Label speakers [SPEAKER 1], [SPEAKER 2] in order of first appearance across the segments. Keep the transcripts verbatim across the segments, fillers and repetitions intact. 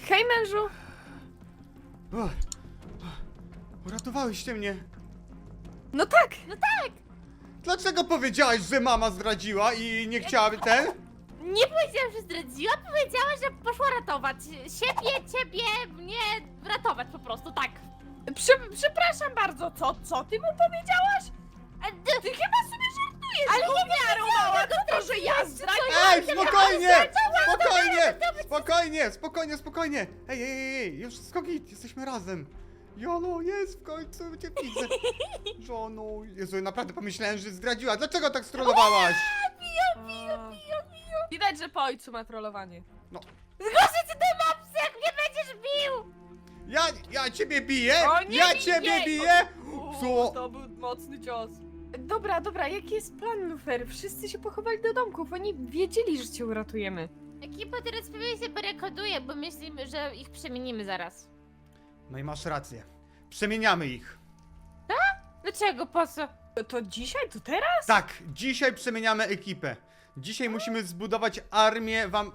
[SPEAKER 1] Hej, mężu!
[SPEAKER 2] O, uratowałyście mnie.
[SPEAKER 1] No tak!
[SPEAKER 3] No tak!
[SPEAKER 2] Dlaczego powiedziałaś, że mama zdradziła i nie chciałaby ten?
[SPEAKER 3] Nie powiedziałam, że zdradziła, powiedziała, że poszła ratować siebie, ciebie, mnie ratować po prostu, tak.
[SPEAKER 1] Prze przepraszam bardzo, co, co ty mu powiedziałaś?
[SPEAKER 3] A, d-
[SPEAKER 1] Ty chyba sobie żartujesz,
[SPEAKER 3] Ale
[SPEAKER 1] bo
[SPEAKER 3] ja nie
[SPEAKER 1] miarą mała to, to, że ja zdradziłam.
[SPEAKER 2] Ej, spokojnie! Spokojnie! Spokojnie, spokojnie, spokojnie! Ej, ej, ej, ej, już wszystko git, jesteśmy razem. Jolo, jest, w końcu cię widzę. Żono, Jezu, naprawdę pomyślałem, że zdradziła. Dlaczego tak strollowałaś?
[SPEAKER 1] Widać, że po ojcu ma trollowanie.
[SPEAKER 2] No,
[SPEAKER 3] Zgłoszę cię do mopsy, jak mnie będziesz bił!
[SPEAKER 2] ja, ja ciebie biję?
[SPEAKER 1] O, nie
[SPEAKER 2] Ja
[SPEAKER 1] bij
[SPEAKER 2] ciebie
[SPEAKER 1] jej!
[SPEAKER 2] biję?
[SPEAKER 1] Uuu,
[SPEAKER 2] Co?
[SPEAKER 1] to był mocny cios. Dobra, dobra, jaki jest plan, Lufer? Wszyscy się pochowali do domków, oni wiedzieli, że cię uratujemy.
[SPEAKER 3] Ekipa teraz pewnie się barykoduje, bo myślimy, że ich przemienimy zaraz.
[SPEAKER 2] No i masz rację. Przemieniamy ich.
[SPEAKER 3] Dlaczego? Po co?
[SPEAKER 1] To, to dzisiaj? To teraz?
[SPEAKER 2] Tak, dzisiaj przemieniamy ekipę. Dzisiaj musimy zbudować armię wam...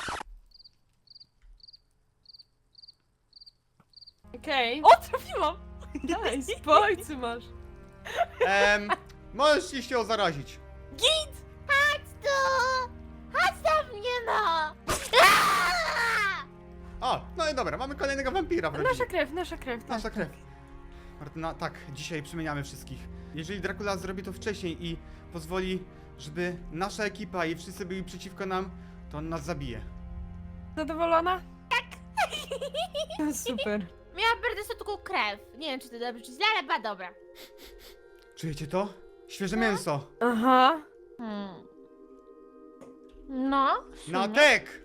[SPEAKER 1] Okej. O, trafiłam! Nice, po ojcu masz.
[SPEAKER 2] Em, możesz się ją zarazić.
[SPEAKER 3] Chodź tu! Chodź do mnie, no! Aaaa!
[SPEAKER 2] O, no i dobra, mamy kolejnego wampira w rodzinie.
[SPEAKER 1] Nasza krew, nasza krew. tak,
[SPEAKER 2] Nasza
[SPEAKER 1] tak.
[SPEAKER 2] krew. Martyna, tak, dzisiaj przemieniamy wszystkich. Jeżeli Dracula zrobi to wcześniej i pozwoli, żeby nasza ekipa i wszyscy byli przeciwko nam, to on nas zabije.
[SPEAKER 1] Zadowolona? Tak. Super.
[SPEAKER 3] Miałam bardzo słodką krew. Nie wiem, czy to dobrze, czy źle, ale ba dobra.
[SPEAKER 2] Czujecie to? Świeże mięso.
[SPEAKER 1] Aha.
[SPEAKER 3] Hmm. No.
[SPEAKER 2] Natek!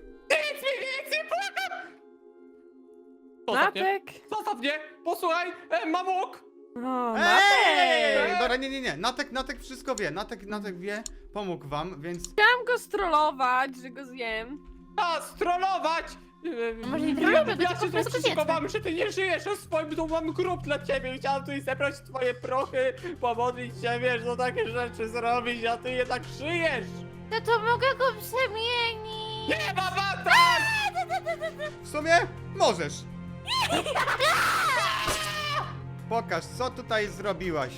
[SPEAKER 4] Zostaw mnie,
[SPEAKER 1] Natek.
[SPEAKER 4] zostaw mnie, posłuchaj, e, mam łuk!
[SPEAKER 1] O,
[SPEAKER 2] Ej!
[SPEAKER 1] Natek.
[SPEAKER 2] Dobra, nie, nie, nie. Natek, Natek wszystko wie. Natek, Natek wie, pomógł wam, więc...
[SPEAKER 1] Chciałam go strollować, że go zjem.
[SPEAKER 4] A, strollować! E,
[SPEAKER 3] Może nie
[SPEAKER 4] ja-
[SPEAKER 3] trolujmy,
[SPEAKER 4] Ja
[SPEAKER 3] tylko
[SPEAKER 4] się
[SPEAKER 3] po prostu
[SPEAKER 4] zaszykowałem, że ty nie żyjesz, a w swoim domu mam grób dla ciebie. Chciałem tutaj zebrać twoje prochy, pomodlić się, wiesz, no takie rzeczy zrobić, a ty jednak żyjesz!
[SPEAKER 3] No to mogę go przemienić.
[SPEAKER 4] Nie ma bata!
[SPEAKER 2] W sumie możesz. Pokaż, co tutaj zrobiłaś.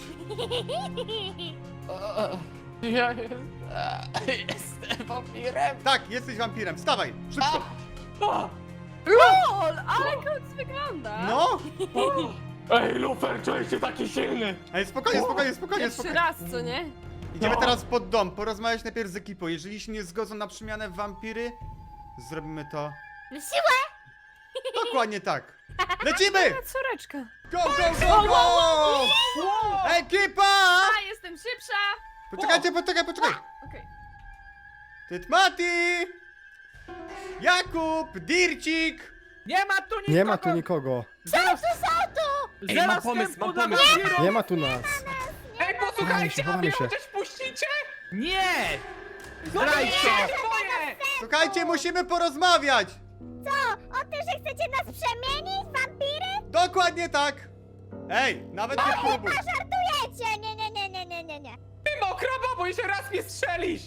[SPEAKER 4] Ja jestem wampirem!
[SPEAKER 2] Tak, jesteś wampirem. Wstawaj, szybko.
[SPEAKER 4] A!
[SPEAKER 1] LOL, ale koc wygląda.
[SPEAKER 2] No!
[SPEAKER 4] Ej, Lufer, czuję się taki silny!
[SPEAKER 2] Ej, spokojnie, spokojnie, spokojnie,
[SPEAKER 1] Pierwszy
[SPEAKER 2] spokojnie.
[SPEAKER 1] raz, co nie?
[SPEAKER 2] Idziemy
[SPEAKER 4] No.
[SPEAKER 2] teraz pod dom, porozmawiać najpierw z ekipą. Jeżeli się nie zgodzą na przemianę w wampiry, zrobimy to
[SPEAKER 3] Na siłę!
[SPEAKER 2] dokładnie tak. Lecimy!
[SPEAKER 1] A, córeczka.
[SPEAKER 2] Go, go, go, go!
[SPEAKER 4] Wow!
[SPEAKER 2] Ekipa!
[SPEAKER 1] A, jestem szybsza.
[SPEAKER 2] Poczekajcie, poczekaj, poczekaj.
[SPEAKER 1] Okej.
[SPEAKER 2] Tytmati! Jakub, Dircik!
[SPEAKER 5] Nie ma tu nikogo!
[SPEAKER 6] Nie ma tu nikogo.
[SPEAKER 4] Zaraz, Ej, mam
[SPEAKER 5] Zero
[SPEAKER 4] pomysł,
[SPEAKER 5] wstępu
[SPEAKER 4] mam
[SPEAKER 5] dla
[SPEAKER 4] pomysł.
[SPEAKER 5] wampirów!
[SPEAKER 6] Nie ma tu nas.
[SPEAKER 4] ej, posłuchajcie, a
[SPEAKER 6] Chowamy
[SPEAKER 4] mnie
[SPEAKER 6] się.
[SPEAKER 4] chociaż puścicie?
[SPEAKER 5] Nie!
[SPEAKER 4] No nie,
[SPEAKER 5] Zdrajco!
[SPEAKER 4] moje!
[SPEAKER 2] Słuchajcie, musimy porozmawiać!
[SPEAKER 3] O tym, że chcecie nas przemienić w wampiry?
[SPEAKER 2] Dokładnie tak! Ej, nawet nie próbuj!
[SPEAKER 3] Żartujecie! Nie, nie, nie, nie, nie, nie, nie.
[SPEAKER 4] Ty mokra babo, jeszcze raz mnie strzelisz!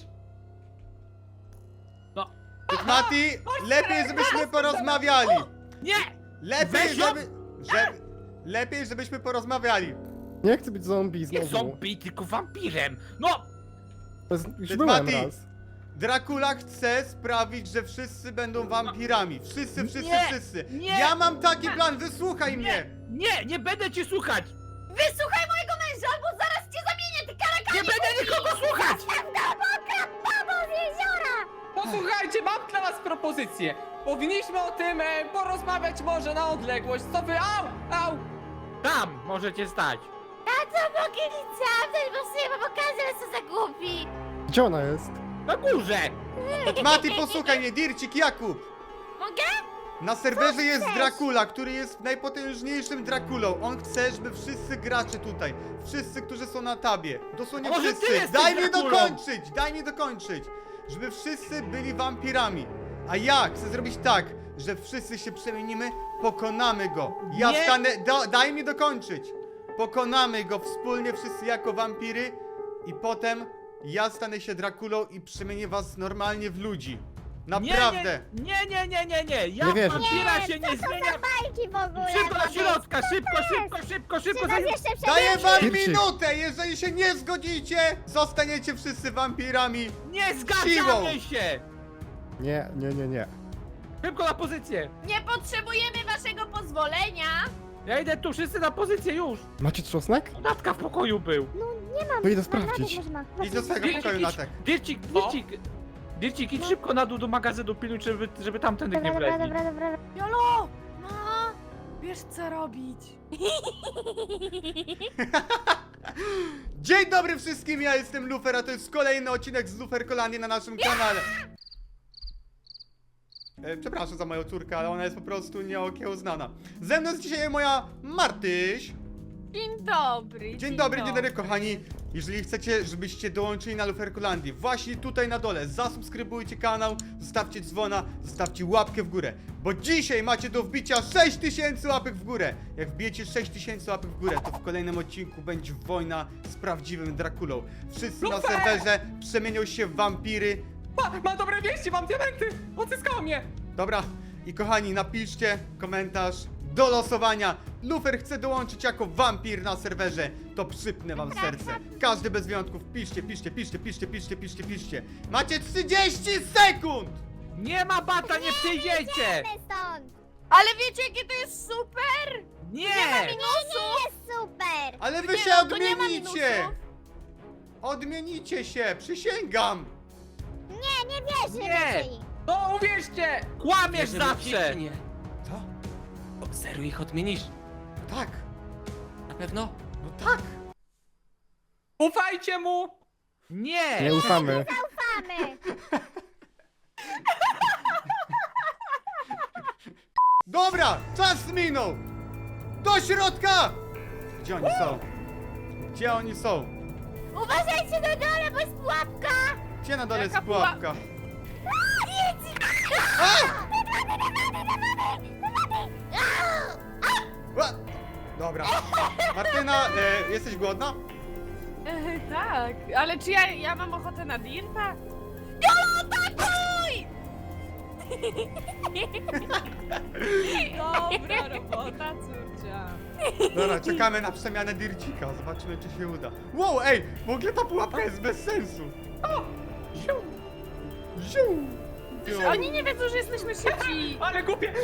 [SPEAKER 5] No,
[SPEAKER 2] Tytmati, lepiej żebyśmy porozmawiali!
[SPEAKER 5] nie!
[SPEAKER 2] Lepiej,
[SPEAKER 5] Weź ją!
[SPEAKER 2] żeby... żeby... Lepiej, żebyśmy porozmawiali!
[SPEAKER 6] Nie chcę być zombie
[SPEAKER 5] Nie
[SPEAKER 6] znowu.
[SPEAKER 5] zombie, tylko wampirem! No!
[SPEAKER 6] To jest, już
[SPEAKER 2] Ty,
[SPEAKER 6] byłem
[SPEAKER 2] Mati.
[SPEAKER 6] raz.
[SPEAKER 2] Dracula chce sprawić, że wszyscy będą wampirami. Wszyscy, wszyscy,
[SPEAKER 5] Nie,
[SPEAKER 2] wszyscy.
[SPEAKER 5] nie.
[SPEAKER 2] Ja mam taki plan, wysłuchaj mnie!
[SPEAKER 5] Nie, nie będę cię słuchać!
[SPEAKER 3] Wysłuchaj mojego męża, albo zaraz cię zamienię, ty karakanie!
[SPEAKER 5] Nie będę nikogo słuchać!
[SPEAKER 3] Babo z jeziora!
[SPEAKER 4] Posłuchajcie, mam dla was propozycję. Powinniśmy o tym e, porozmawiać może na odległość. Co wy? Au! Au!
[SPEAKER 5] Tam możecie stać!
[SPEAKER 3] A co mogę nic zamknąć, bo sobie mam okazję, co za głupi!
[SPEAKER 6] Gdzie ona jest?
[SPEAKER 5] Na górze!
[SPEAKER 2] Mati, posłuchaj mnie, Dircik, Jakub!
[SPEAKER 3] Mogę?
[SPEAKER 2] Na serwerze jest
[SPEAKER 3] chcesz?
[SPEAKER 2] Dracula, który jest najpotężniejszym Draculą. On chce, żeby wszyscy gracze tutaj, wszyscy, którzy są na tabie, dosłownie
[SPEAKER 5] A może ty
[SPEAKER 2] wszyscy,
[SPEAKER 5] jesteś
[SPEAKER 2] daj mi
[SPEAKER 5] Draculą?
[SPEAKER 2] dokończyć, daj mi dokończyć, żeby wszyscy byli wampirami. A ja chcę zrobić tak, że wszyscy się przemienimy, pokonamy go. Ja
[SPEAKER 5] Nie.
[SPEAKER 2] stanę, da, daj mi dokończyć. Pokonamy go wspólnie wszyscy jako wampiry i potem ja stanę się Draculą i przemienię was normalnie w ludzi. Naprawdę.
[SPEAKER 5] Nie, nie, nie, nie, nie. Ja
[SPEAKER 6] Nie wierzę.
[SPEAKER 5] wampira
[SPEAKER 7] Nie,
[SPEAKER 5] się nie
[SPEAKER 7] co to za
[SPEAKER 5] zmienia.
[SPEAKER 7] bajki w ogóle?
[SPEAKER 5] Szybko do
[SPEAKER 7] to
[SPEAKER 5] środka,
[SPEAKER 7] jest?
[SPEAKER 5] szybko, szybko, szybko, szybko,
[SPEAKER 7] Czy
[SPEAKER 5] szybko.
[SPEAKER 7] nas
[SPEAKER 5] zanim-
[SPEAKER 7] jeszcze
[SPEAKER 2] Daję
[SPEAKER 7] przebiegnie?
[SPEAKER 2] wam
[SPEAKER 6] Dircik.
[SPEAKER 2] minutę! Jeżeli się nie zgodzicie, zostaniecie wszyscy wampirami.
[SPEAKER 5] Nie
[SPEAKER 2] Siłą.
[SPEAKER 5] zgadzamy się.
[SPEAKER 6] Nie, nie, nie, nie.
[SPEAKER 5] Szybko na pozycję.
[SPEAKER 3] Nie potrzebujemy waszego pozwolenia.
[SPEAKER 5] Ja idę tu, wszyscy na pozycję już.
[SPEAKER 6] Macie trzosnek?
[SPEAKER 5] Natka w pokoju był.
[SPEAKER 7] No nie mam.
[SPEAKER 6] To idę
[SPEAKER 7] Mam
[SPEAKER 6] sprawdzić.
[SPEAKER 7] Radek może ma.
[SPEAKER 2] Idź do swojego
[SPEAKER 5] Dircik,
[SPEAKER 2] pokoju,
[SPEAKER 5] idź.
[SPEAKER 2] Natek.
[SPEAKER 5] Dircik, Dircik. Dircik, idź szybko na dół do magazynu, pilnuj, żeby, żeby tamtędy nie
[SPEAKER 7] Dobra, dobra,
[SPEAKER 5] wleźli.
[SPEAKER 7] dobra, dobra.
[SPEAKER 1] Jolo! No! Wiesz co robić.
[SPEAKER 2] Dzień dobry wszystkim, ja jestem Lufer, a to jest kolejny odcinek z Lufer Kolanie na naszym kanale. E, przepraszam za moją córkę, ale ona jest po prostu nieokiełznana. Ze mną jest dzisiaj moja Martyś.
[SPEAKER 1] Dzień dobry.
[SPEAKER 2] Dzień dobry, dzień dobry kochani. Jeżeli chcecie, żebyście dołączyli na Luferkolandię, właśnie tutaj na dole zasubskrybujcie kanał, zostawcie dzwona, zostawcie łapkę w górę. Bo dzisiaj macie do wbicia sześć tysięcy łapek w górę. Jak wbijecie sześć tysięcy łapek w górę, to w kolejnym odcinku będzie wojna z prawdziwym Drakulą. Wszyscy na
[SPEAKER 4] Lufer!
[SPEAKER 2] serwerze przemienią się w wampiry.
[SPEAKER 4] Pa, mam dobre wieści, mam diamenty! Odzyskała mnie!
[SPEAKER 2] Dobra, i kochani, napiszcie komentarz do losowania. Lufer chce dołączyć jako wampir na serwerze. To przypnę wam serce. Każdy bez wyjątków. Piszcie, piszcie, piszcie, piszcie, piszcie, piszcie, piszcie. Macie trzydzieści sekund!
[SPEAKER 5] Nie ma bata, nie przyjdziecie.
[SPEAKER 7] Idziemy stąd.
[SPEAKER 1] Ale wiecie jakie to jest super?
[SPEAKER 5] Nie.
[SPEAKER 7] Nie, nie jest super.
[SPEAKER 2] Ale wy
[SPEAKER 1] Nie,
[SPEAKER 2] się
[SPEAKER 1] no to nie ma
[SPEAKER 2] odmienicie!
[SPEAKER 1] minusów.
[SPEAKER 2] Odmienicie się, przysięgam!
[SPEAKER 7] Nie, nie wierzę
[SPEAKER 5] Nie.
[SPEAKER 7] ci.
[SPEAKER 4] No uwierzcie!
[SPEAKER 5] Kłamiesz
[SPEAKER 4] Wierzymy w nich,
[SPEAKER 5] zawsze.
[SPEAKER 4] czy nie?
[SPEAKER 2] Co?
[SPEAKER 4] O, serio ich odmienisz?
[SPEAKER 2] Tak,
[SPEAKER 4] Na pewno?
[SPEAKER 2] no tak!
[SPEAKER 4] Ufajcie mu!
[SPEAKER 5] Nie.
[SPEAKER 6] Nie ufamy.
[SPEAKER 7] Ufamy.
[SPEAKER 2] Dobra, czas minął! Do środka! Gdzie oni są? Gdzie oni są?
[SPEAKER 7] Uważajcie na dole, bo jest pułapka.
[SPEAKER 2] Gdzie na dole jest
[SPEAKER 1] Jaka
[SPEAKER 2] pułapka? Ła! Dobra. Martyna, e, jesteś głodna?
[SPEAKER 1] E, tak, ale czy ja, ja mam ochotę na dirta? Jolo, atakuj! Dobra robota, córcia.
[SPEAKER 2] Dobra, czekamy na przemianę Dircika. Zobaczymy, czy się uda. Wow, ej! W ogóle ta pułapka jest bez sensu. Ziu! Ziu!
[SPEAKER 1] Przecież oni nie wiedzą, że jesteśmy szybci.
[SPEAKER 4] Ale głupie!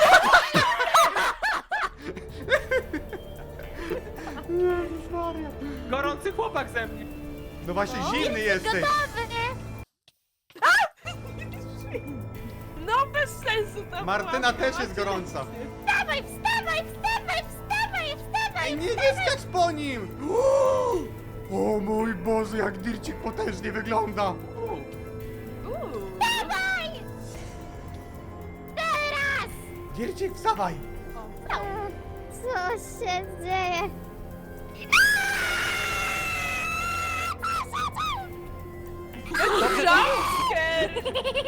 [SPEAKER 2] Jezus Maria.
[SPEAKER 4] Gorący chłopak ze mnie!
[SPEAKER 2] No właśnie, zimny jesteś.
[SPEAKER 1] No bez sensu ta
[SPEAKER 2] Martyna
[SPEAKER 1] pułapka,
[SPEAKER 2] też jest
[SPEAKER 1] macie
[SPEAKER 2] gorąca.
[SPEAKER 1] rację.
[SPEAKER 7] Wstawaj, wstawaj, wstawaj, wstawaj, wstawaj.
[SPEAKER 2] Ej, nie, nie skacz po nim! Uuu! O mój Boże, jak Dircik potężnie wygląda!
[SPEAKER 1] Uuu.
[SPEAKER 7] Wstawaj. Teraz.
[SPEAKER 2] Dircik, wstawaj!
[SPEAKER 7] Co się dzieje?
[SPEAKER 1] Jumpscare!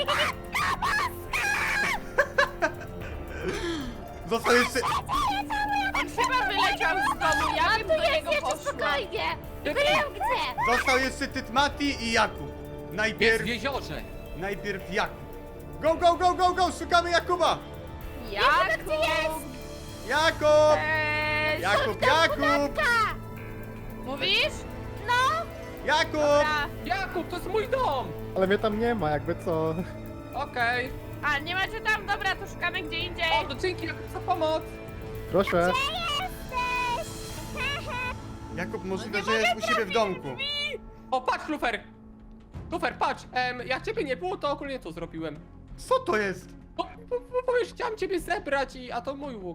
[SPEAKER 2] Został jeszcze...
[SPEAKER 1] On chyba wyleciał z domu, ja bym
[SPEAKER 7] Tu
[SPEAKER 1] do
[SPEAKER 7] jest
[SPEAKER 1] niego
[SPEAKER 7] jeszcze
[SPEAKER 1] poszła.
[SPEAKER 7] spokojnie. Wiem gdzie.
[SPEAKER 2] Został jeszcze Tytmati i Jakub.
[SPEAKER 4] Jest
[SPEAKER 2] Najpierw...
[SPEAKER 4] w jeziorze!
[SPEAKER 2] Najpierw Jakub. Go, go, go, go, go! Szukamy Jakuba!
[SPEAKER 1] Jakub!
[SPEAKER 2] Jakub!
[SPEAKER 1] Cześć!
[SPEAKER 2] Jakub, Jakub!
[SPEAKER 1] Mówisz?
[SPEAKER 2] Jakub!
[SPEAKER 1] Dobra.
[SPEAKER 4] Jakub, to jest mój dom!
[SPEAKER 6] Ale mnie tam nie ma, jakby co.
[SPEAKER 4] Okej.
[SPEAKER 1] A, nie macie tam? Dobra, to szukamy gdzie indziej.
[SPEAKER 4] O, to dzięki Jakub za pomoc!
[SPEAKER 6] Proszę.
[SPEAKER 7] Jesteś.
[SPEAKER 2] Jakub, możliwe, że jest u siebie w domku.
[SPEAKER 4] O, patrz, Lufer! Lufer, patrz! Em, jak ciebie nie było, to ogólnie to zrobiłem.
[SPEAKER 2] Co to jest?
[SPEAKER 4] Bo, bo, bo, bo już chciałem ciebie zebrać, i, a to mój łuk.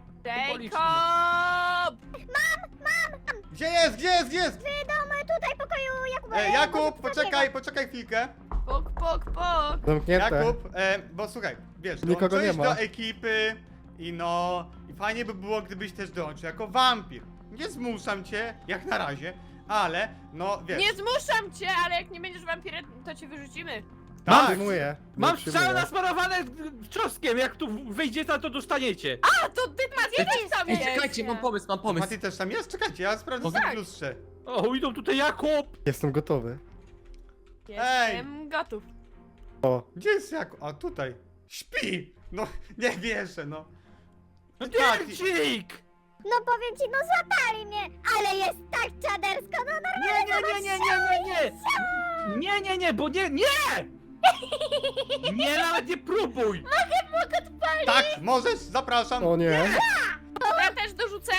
[SPEAKER 1] Jacob!
[SPEAKER 2] Gdzie jest, gdzie jest, gdzie jest?
[SPEAKER 7] W domu tutaj pokoju Jakuba.
[SPEAKER 2] E,
[SPEAKER 7] Może
[SPEAKER 2] Jakub,
[SPEAKER 7] coś
[SPEAKER 2] poczekaj,
[SPEAKER 7] takiego.
[SPEAKER 2] poczekaj chwilkę.
[SPEAKER 1] Pok, pok, pok.
[SPEAKER 6] Zamknięte.
[SPEAKER 2] Jakub, e, bo słuchaj, wiesz,
[SPEAKER 6] Nikogo
[SPEAKER 2] dołączyłeś
[SPEAKER 6] nie ma.
[SPEAKER 2] do ekipy i no... I fajnie by było, gdybyś też dołączył jako wampir. Nie zmuszam cię, jak na razie, ale no wiesz...
[SPEAKER 1] Nie zmuszam cię, ale jak nie będziesz wampirem, to cię wyrzucimy.
[SPEAKER 2] tak,
[SPEAKER 6] Przyjmuję.
[SPEAKER 5] Mam
[SPEAKER 6] Nie
[SPEAKER 5] strzały
[SPEAKER 6] przyjmuję.
[SPEAKER 5] nasmarowane czosnkiem, jak tu wyjdziecie, to dostaniecie.
[SPEAKER 1] A, to ty Maciej też tam
[SPEAKER 4] Ej,
[SPEAKER 1] jest.
[SPEAKER 4] czekajcie, mam pomysł, mam pomysł.
[SPEAKER 2] Mati też tam jest? Czekajcie, ja sprawdzę sobie
[SPEAKER 1] tak.
[SPEAKER 2] w lustrze.
[SPEAKER 5] O, idą tutaj Jakub.
[SPEAKER 6] Jestem gotowy.
[SPEAKER 1] Jestem gotów.
[SPEAKER 6] O,
[SPEAKER 2] Gdzie jest Jakub? A tutaj. Śpi! No, nie wierzę, no.
[SPEAKER 5] No
[SPEAKER 2] Tak.
[SPEAKER 5] Dircik!
[SPEAKER 7] No powiem ci, no złapali mnie, ale jest tak czadersko, no
[SPEAKER 5] Nie, nie, nie, nie, nie, nie, nie! Nie, nie, nie, bo nie, nie! Nie, nawet nie próbuj!
[SPEAKER 2] Tak, możesz, zapraszam.
[SPEAKER 6] o nie.
[SPEAKER 1] Ja też dorzucę.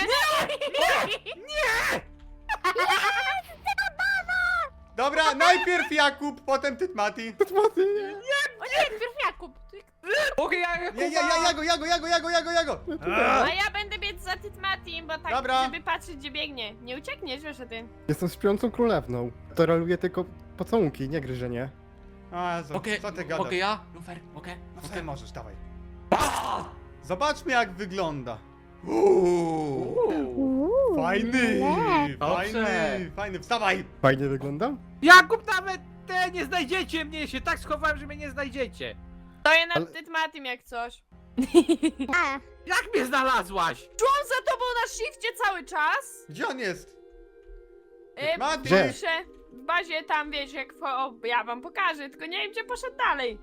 [SPEAKER 2] Dobra, najpierw Jakub, potem Tytmati.
[SPEAKER 3] O nie, najpierw Jakub.
[SPEAKER 4] Mogę ja,
[SPEAKER 2] Nie, ja, ja, Jago, Jago, Jago, Jago, Jago, Jago.
[SPEAKER 1] A ja będę biec za Tytmatim, bo tak,
[SPEAKER 2] Dobra.
[SPEAKER 1] żeby patrzeć, gdzie biegnie. Nie uciekniesz, wiesz o tym.
[SPEAKER 6] Jestem śpiącą królewną. Toleruję tylko pocałunki, nie gryzienie.
[SPEAKER 2] A, Jezu,
[SPEAKER 4] Mogę,
[SPEAKER 2] co ty gadasz?
[SPEAKER 4] mogę ja? Lufer, mogę?
[SPEAKER 2] No
[SPEAKER 4] Mogę?
[SPEAKER 2] sobie możesz, dawaj. Zobaczmy jak wygląda. Uuu,
[SPEAKER 7] Uuu,
[SPEAKER 2] fajny,
[SPEAKER 7] le.
[SPEAKER 2] fajny, fajny, wstawaj.
[SPEAKER 6] Fajnie wyglądam?
[SPEAKER 5] Jakub, nawet te nie znajdziecie mnie, się tak schowałem, że mnie nie znajdziecie.
[SPEAKER 1] Stoję nad
[SPEAKER 6] Ale-
[SPEAKER 1] Tytmatim jak coś.
[SPEAKER 7] A,
[SPEAKER 5] Jak mnie znalazłaś?
[SPEAKER 1] Czułam za tobą na shifcie cały czas.
[SPEAKER 2] Gdzie on jest?
[SPEAKER 1] E,
[SPEAKER 2] Mati.
[SPEAKER 6] Gdzie?
[SPEAKER 1] Piszę w bazie tam, wiesz, jak... w- O, ja wam pokażę, tylko nie wiem, gdzie poszedł dalej.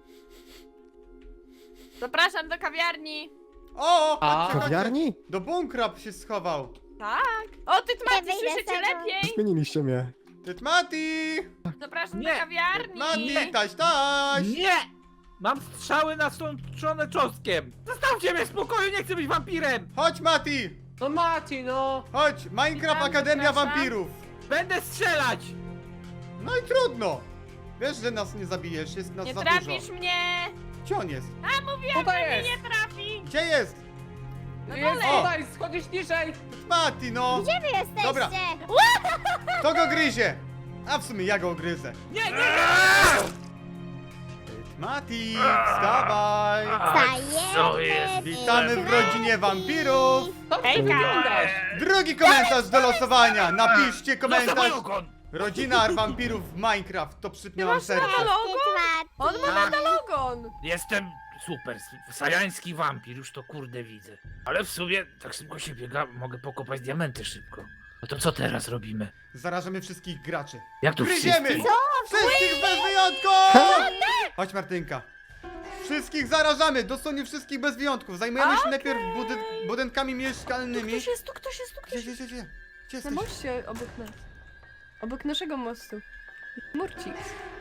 [SPEAKER 1] Zapraszam do kawiarni.
[SPEAKER 2] O,
[SPEAKER 4] A?
[SPEAKER 2] chodźcie, chodźcie.
[SPEAKER 6] Kawiarni?
[SPEAKER 2] Do bunkra się schował.
[SPEAKER 1] Tak. O, Tytmati,
[SPEAKER 7] Nie wyjdę
[SPEAKER 1] słyszycie
[SPEAKER 7] z tego.
[SPEAKER 1] lepiej?
[SPEAKER 6] Zmieniliście mnie.
[SPEAKER 2] Tytmati!
[SPEAKER 1] Zapraszam
[SPEAKER 5] Nie.
[SPEAKER 1] do kawiarni.
[SPEAKER 2] Tytmati, taś, taś!
[SPEAKER 5] Nie! Mam strzały nastrączone czosnkiem! Zostawcie mnie w spokoju, nie chcę być wampirem!
[SPEAKER 2] Chodź Mati!
[SPEAKER 4] No Mati, no.
[SPEAKER 2] Chodź, Minecraft
[SPEAKER 1] Witam,
[SPEAKER 2] Akademia
[SPEAKER 1] zapraszam.
[SPEAKER 2] Wampirów.
[SPEAKER 5] Będę strzelać!
[SPEAKER 2] No i trudno. Wiesz, że nas nie zabijesz, jest nas
[SPEAKER 1] Nie
[SPEAKER 2] za
[SPEAKER 1] trafisz
[SPEAKER 2] dużo.
[SPEAKER 1] mnie.
[SPEAKER 2] Gdzie on jest?
[SPEAKER 1] Mówiłam,
[SPEAKER 4] Tutaj
[SPEAKER 1] że mnie
[SPEAKER 4] jest.
[SPEAKER 1] nie trafi.
[SPEAKER 2] Gdzie jest?
[SPEAKER 1] No
[SPEAKER 4] Jest
[SPEAKER 1] dole.
[SPEAKER 4] tutaj, schodzisz niżej.
[SPEAKER 2] Mati, no!
[SPEAKER 7] gdzie wy jesteście?
[SPEAKER 2] Dobra. Kto go gryzie? A w sumie ja go gryzę.
[SPEAKER 5] Nie, nie, nie!
[SPEAKER 2] Mati, wstawaj!
[SPEAKER 5] co jest?
[SPEAKER 7] Stajemy.
[SPEAKER 2] Witamy w rodzinie wampirów!
[SPEAKER 4] To ty
[SPEAKER 1] Hejka.
[SPEAKER 4] wyglądasz.
[SPEAKER 2] Drugi komentarz do losowania! Napiszcie
[SPEAKER 5] Zostaw
[SPEAKER 2] komentarz!
[SPEAKER 5] mój ogon!
[SPEAKER 2] Rodzina wampirów w Minecraft, to przypnie wam
[SPEAKER 1] masz
[SPEAKER 2] serce.
[SPEAKER 1] logo? On ma
[SPEAKER 5] Tak.
[SPEAKER 1] nadalogon.
[SPEAKER 5] Jestem super, sajański wampir, już to kurde widzę. Ale w sumie tak szybko się biega, mogę pokopać diamenty szybko. No to co teraz robimy?
[SPEAKER 2] Zarażamy wszystkich graczy.
[SPEAKER 5] Jak tu
[SPEAKER 2] Gryziemy!
[SPEAKER 5] wszyscy?
[SPEAKER 2] Wszystkich bez wyjątku! Chodź Martynka. Wszystkich zarażamy, dosłownie wszystkich bez wyjątków. Zajmujemy się
[SPEAKER 1] Okej.
[SPEAKER 2] najpierw budyn budynkami
[SPEAKER 1] Tu
[SPEAKER 2] mieszkalnymi.
[SPEAKER 1] ktoś jest, tu ktoś jest, tu
[SPEAKER 2] Gdzie,
[SPEAKER 1] ktoś
[SPEAKER 2] gdzie,
[SPEAKER 1] jest.
[SPEAKER 2] gdzie, gdzie? Gdzie
[SPEAKER 1] Na
[SPEAKER 2] jesteś?
[SPEAKER 1] moście obok nas. Obok naszego mostu. Murcik.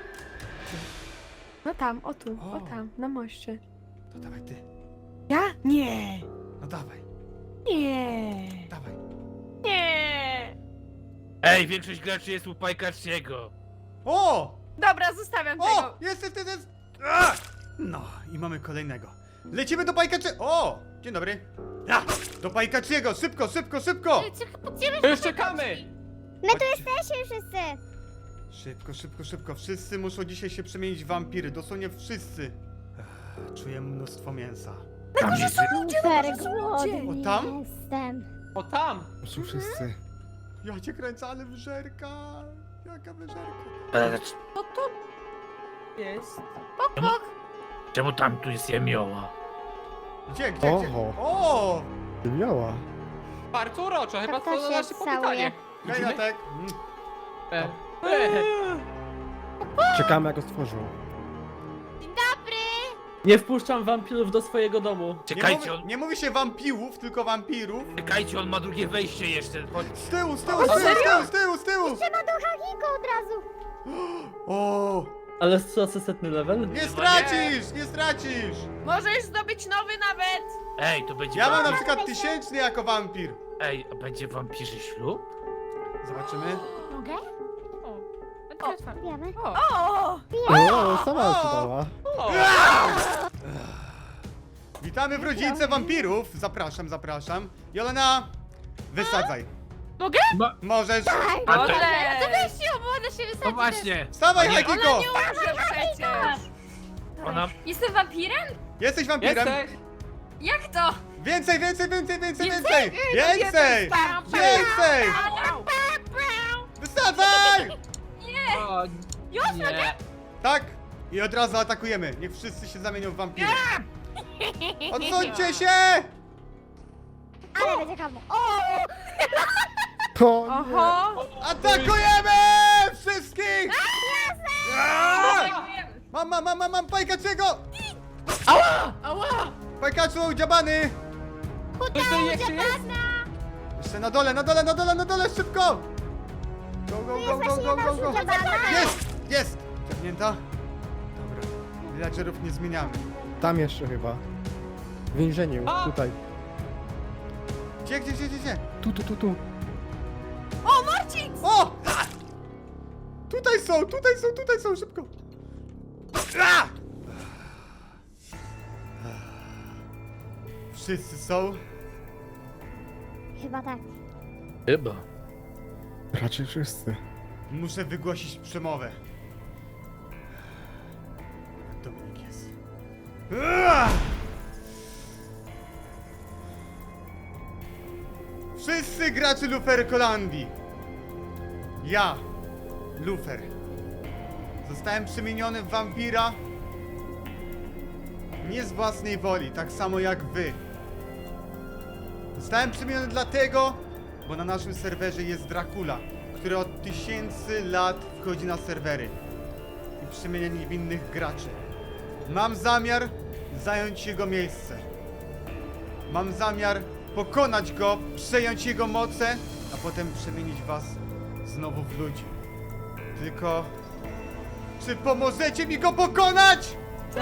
[SPEAKER 1] No tam, o tu,
[SPEAKER 2] O.
[SPEAKER 1] o tam, na moście.
[SPEAKER 2] To dawaj ty.
[SPEAKER 1] Ja? Nie.
[SPEAKER 2] No dawaj,
[SPEAKER 1] Nie.
[SPEAKER 2] dawaj.
[SPEAKER 1] Nie.
[SPEAKER 5] Ej, większość graczy jest u Pajkaczniego.
[SPEAKER 2] O! Dobra,
[SPEAKER 1] zostawiam
[SPEAKER 2] O!
[SPEAKER 1] tego.
[SPEAKER 2] Jest, jest, jest, jest! A! No i mamy kolejnego. Lecimy do Pajkaczy... O! Dzień dobry. Ja! Do Pajkaczyego! Szybko, szybko, szybko!
[SPEAKER 4] To już czekamy.
[SPEAKER 7] My tu jesteśmy wszyscy.
[SPEAKER 2] Szybko, szybko, szybko. Wszyscy muszą dzisiaj się przemienić w wampiry. Dosłownie wszyscy. Ech, czuję mnóstwo mięsa.
[SPEAKER 5] Tam jest...
[SPEAKER 7] Super
[SPEAKER 1] ludzie.
[SPEAKER 7] głodny
[SPEAKER 2] O, tam?
[SPEAKER 7] jestem.
[SPEAKER 4] O tam.
[SPEAKER 6] Są wszyscy.
[SPEAKER 2] Ja cię kręcę, ale wyżerka. Jaka wyżerka.
[SPEAKER 5] E,
[SPEAKER 1] Co to jest?
[SPEAKER 5] Czemu, czemu tam tu jest jemioła?
[SPEAKER 2] Gdzie, gdzie, gdzie?
[SPEAKER 6] Oho.
[SPEAKER 2] O!
[SPEAKER 6] Ty miała.
[SPEAKER 4] Bardzo uroczo, chyba
[SPEAKER 7] To
[SPEAKER 4] to
[SPEAKER 7] się
[SPEAKER 4] nasze powitanie.
[SPEAKER 7] całuje.
[SPEAKER 2] Hej, Natek. Mm.
[SPEAKER 4] E, e.
[SPEAKER 6] Czekamy jak go stworzył.
[SPEAKER 8] Nie wpuszczam wampirów do swojego domu.
[SPEAKER 2] Nie,
[SPEAKER 5] Czekajcie,
[SPEAKER 2] mówi,
[SPEAKER 5] on,
[SPEAKER 2] nie mówi się wampirów, tylko wampirów.
[SPEAKER 5] czekajcie, on ma drugie wejście jeszcze. Chodź.
[SPEAKER 2] Z tyłu, z tyłu, z tyłu, z tyłu, z tyłu, z tyłu!
[SPEAKER 7] Trzeba do Hagiko od razu.
[SPEAKER 2] O!
[SPEAKER 8] Ale stracę setny level?
[SPEAKER 2] Nie stracisz, nie stracisz!
[SPEAKER 1] Możesz zdobyć nowy nawet.
[SPEAKER 5] Ej, to będzie...
[SPEAKER 2] Ja mam na
[SPEAKER 5] wampir-
[SPEAKER 2] przykład tysięczny jako wampir.
[SPEAKER 5] Ej, a będzie wampirzy ślub?
[SPEAKER 2] Zobaczymy.
[SPEAKER 7] Mogę? Wiemy.
[SPEAKER 1] O.
[SPEAKER 6] O, sama się dała.
[SPEAKER 4] O,
[SPEAKER 2] Witamy w rodzince wampirów. Zapraszam, zapraszam. Jolena, wysadzaj.
[SPEAKER 3] Mogę?
[SPEAKER 5] Ma...
[SPEAKER 2] Możesz.
[SPEAKER 5] A to...
[SPEAKER 3] To
[SPEAKER 1] Dobrze.
[SPEAKER 3] weź ją, bo ona się wysadzi.
[SPEAKER 5] No właśnie,
[SPEAKER 2] Wstawaj,
[SPEAKER 5] Nie.
[SPEAKER 2] Hakiko!
[SPEAKER 1] Nie umrze przecież.
[SPEAKER 5] ona...
[SPEAKER 1] Jestem wampirem?
[SPEAKER 2] Jesteś wampirem?
[SPEAKER 4] jesteś.
[SPEAKER 1] Jak to?
[SPEAKER 2] Więcej, więcej, więcej, więcej, więcej! Więcej! Więcej! Wysadzaj!
[SPEAKER 5] O, nie.
[SPEAKER 2] Tak. I od razu atakujemy. Niech wszyscy się zamienią w wampiry. Odsuńcie się!
[SPEAKER 7] Ale będzie kamu. O!
[SPEAKER 6] O, nie.
[SPEAKER 1] Oho.
[SPEAKER 2] Atakujemy! Wszystkich! Aaa! Mam, mam, mam, mam, mam Pajkaczego!
[SPEAKER 4] Ała! Ała!
[SPEAKER 2] Pajkaczu, dziabany!
[SPEAKER 4] Ktoś tu jeszcze jest?
[SPEAKER 2] Jeszcze na dole, na dole, na dole, na dole, szybko! Go, go, go, go, go, go, go! Jest! Jest! Ciągnięta? Dobra. Villagerów nie zmieniamy.
[SPEAKER 6] Tam jeszcze chyba. W więzieniu,
[SPEAKER 4] A!
[SPEAKER 6] tutaj.
[SPEAKER 2] Gdzie, gdzie, gdzie, gdzie, gdzie?
[SPEAKER 6] Tu, tu, tu, tu.
[SPEAKER 1] O, Marcin!
[SPEAKER 2] O! A! Tutaj są, tutaj są, tutaj są, szybko! A! Wszyscy są?
[SPEAKER 7] Chyba tak.
[SPEAKER 5] Chyba.
[SPEAKER 6] Raczej wszyscy.
[SPEAKER 2] Muszę wygłosić przemowę. Dominik jest. Ua! Wszyscy gracze Luferkolandii. Ja, Lufer, zostałem przemieniony w wampira nie z własnej woli, tak samo jak wy. Zostałem przemieniony dlatego, bo na naszym serwerze jest Dracula, który od tysięcy lat wchodzi na serwery i przemienia niewinnych graczy. Mam zamiar zająć jego miejsce. Mam zamiar pokonać go, przejąć jego moce, a potem przemienić was znowu w ludzi. Tylko... czy pomożecie mi go pokonać?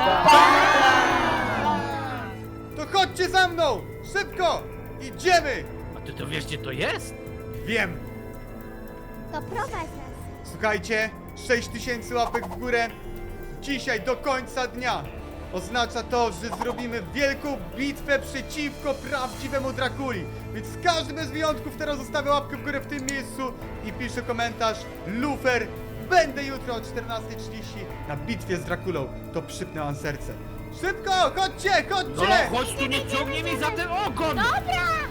[SPEAKER 2] To chodźcie za mną! Szybko! Idziemy!
[SPEAKER 5] A ty to wiesz, gdzie to jest?
[SPEAKER 2] Wiem!
[SPEAKER 7] To prowadź nas.
[SPEAKER 2] Słuchajcie, sześć tysięcy łapek w górę dzisiaj do końca dnia oznacza to, że zrobimy wielką bitwę przeciwko prawdziwemu Drakuli. Więc każdy bez wyjątków teraz zostawia łapkę w górę w tym miejscu i pisze komentarz Lufer, będę jutro o czternastej trzydzieści na bitwie z Drakulą. To przypnę wam serce. Szybko, chodźcie,
[SPEAKER 5] No,
[SPEAKER 2] chodźcie!
[SPEAKER 5] chodź tu, nie ciągnie mi za ten ogon!
[SPEAKER 7] Dobra!